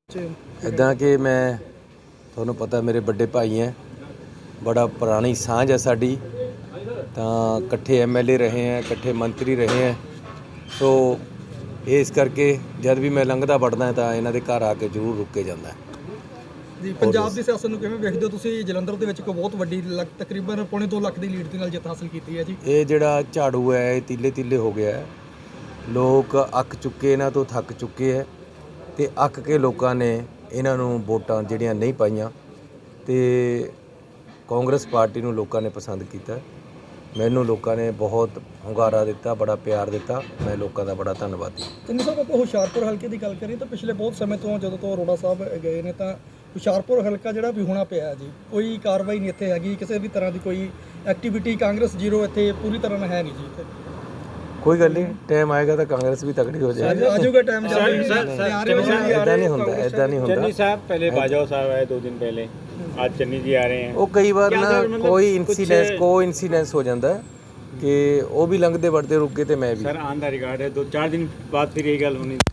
ਇੱਦਾਂ ਕਿ ਮੈਂ ਤੁਹਾਨੂੰ ਪਤਾ ਮੇਰੇ ਵੱਡੇ ਭਾਈ ਹੈ, ਬੜਾ ਪੁਰਾਣੀ ਸਾਂਝ ਹੈ ਸਾਡੀ, ਤਾਂ ਇਕੱਠੇ ਐਮਐਲਏ ਰਹੇ ਹੈ, ਇਕੱਠੇ ਮੰਤਰੀ ਰਹੇ ਹੈ। ਸੋ ਇਸ ਕਰਕੇ ਜਦ ਵੀ ਮੈਂ ਲੰਘਦਾ ਵੜਦਾ ਤਾਂ ਇਹਨਾਂ ਦੇ ਘਰ ਆ ਕੇ ਜ਼ਰੂਰ ਰੁਕ ਕੇ ਜਾਂਦਾ ਜੀ। ਪੰਜਾਬ ਦੀ ਸਿਆਸਤ ਨੂੰ ਕਿਵੇਂ ਵੇਖਦੇ ਹੋ ਤੁਸੀਂ? ਜਲੰਧਰ ਦੇ ਵਿੱਚ ਇੱਕ ਬਹੁਤ ਵੱਡੀ ਤਕਰੀਬਨ ਪੌਣੇ 2 ਲੱਖ ਦੀ ਲੀਡ ਦੇ ਨਾਲ ਜਿੱਤ ਹਾਸਲ ਕੀਤੀ ਹੈ ਜੀ। ਇਹ ਜਿਹੜਾ ਝਾੜੂ ਹੈ ਇਹ ਤੀਲੇ ਤੀਲੇ ਹੋ ਗਿਆ ਹੈ। ਲੋਕ ਅੱਕ ਚੁੱਕੇ, ਇਹਨਾਂ ਤੋਂ ਥੱਕ ਚੁੱਕੇ ਹੈ ਤੇ ਅੱਕ ਕੇ ਲੋਕਾਂ ਨੇ ਇਹਨਾਂ ਨੂੰ ਵੋਟਾਂ ਜਿਹੜੀਆਂ ਨਹੀਂ ਪਾਈਆਂ ਤੇ ਕਾਂਗਰਸ ਪਾਰਟੀ ਨੂੰ ਲੋਕਾਂ ਨੇ ਪਸੰਦ ਕੀਤਾ। ਮੈਨੂੰ ਲੋਕਾਂ ਨੇ ਬਹੁਤ ਹੁੰਗਾਰਾ ਦਿੱਤਾ, ਬੜਾ ਪਿਆਰ ਦਿੱਤਾ। ਮੈਂ ਲੋਕਾਂ ਦਾ ਬੜਾ ਧੰਨਵਾਦੀ। ਤਿੰਨ ਸਾਹਿਬ, ਆਪਾਂ ਹੁਸ਼ਿਆਰਪੁਰ ਹਲਕੇ ਦੀ ਗੱਲ ਕਰੀਏ ਤਾਂ ਪਿਛਲੇ ਬਹੁਤ ਸਮੇਂ ਤੋਂ ਜਦੋਂ ਤੋਂ ਅਰੋੜਾ ਸਾਹਿਬ ਗਏ ਨੇ ਤਾਂ ਹੁਸ਼ਿਆਰਪੁਰ ਹਲਕਾ ਜਿਹੜਾ ਵੀ ਹੋਣਾ ਪਿਆ ਜੀ, ਕੋਈ ਕਾਰਵਾਈ ਨਹੀਂ ਇੱਥੇ ਹੈਗੀ, ਕਿਸੇ ਵੀ ਤਰ੍ਹਾਂ ਦੀ ਕੋਈ ਐਕਟੀਵਿਟੀ ਕਾਂਗਰਸ ਜ਼ੀਰੋ ਇੱਥੇ ਪੂਰੀ ਤਰ੍ਹਾਂ ਨਾਲ ਹੈ ਨਹੀਂ ਜੀ ਇੱਥੇ। ਕੋਈ ਗੱਲ ਨਹੀਂ, ਟਾਈਮ ਆਏਗਾ ਤਾਂ ਕਾਂਗਰਸ ਵੀ ਤਕੜੀ ਹੋ ਜਾਏਗੀ। ਆ ਜਾਊਗਾ ਟਾਈਮ ਇੱਦਾਂ ਨਹੀਂ ਹੁੰਦਾ, ਇੱਦਾਂ ਨਹੀਂ ਹੁੰਦਾ। चन्नी साहब पहले बाजवा साहब आए 2 दिन पहले, आज चन्नी जी आ रहे हैं। ਉਹ ਕਈ ਵਾਰ ਨਾ ਕੋਈ ਇੰਸੀਡੈਂਸ ਹੋ ਜਾਂਦਾ ਹੈ ਕਿ ਉਹ ਵੀ ਲੰਘਦੇ ਵੜਦੇ ਰੁਕੇ ਤੇ ਮੈਂ ਵੀ। सर ऑन द रिकॉर्ड है, 2-4 दिन बाद फिर यही गल होनी।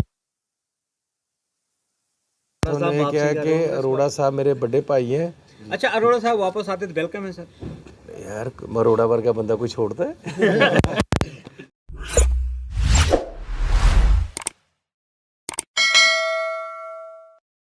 उन्होंने क्या है कि अरोड़ा साहब मेरे बड़े भाई हैं। अच्छा, अरोड़ा साहब वापस आते तो वेलकम है सर। यार अरोड़ा वर्गा बंदा कोई छोड़ता है?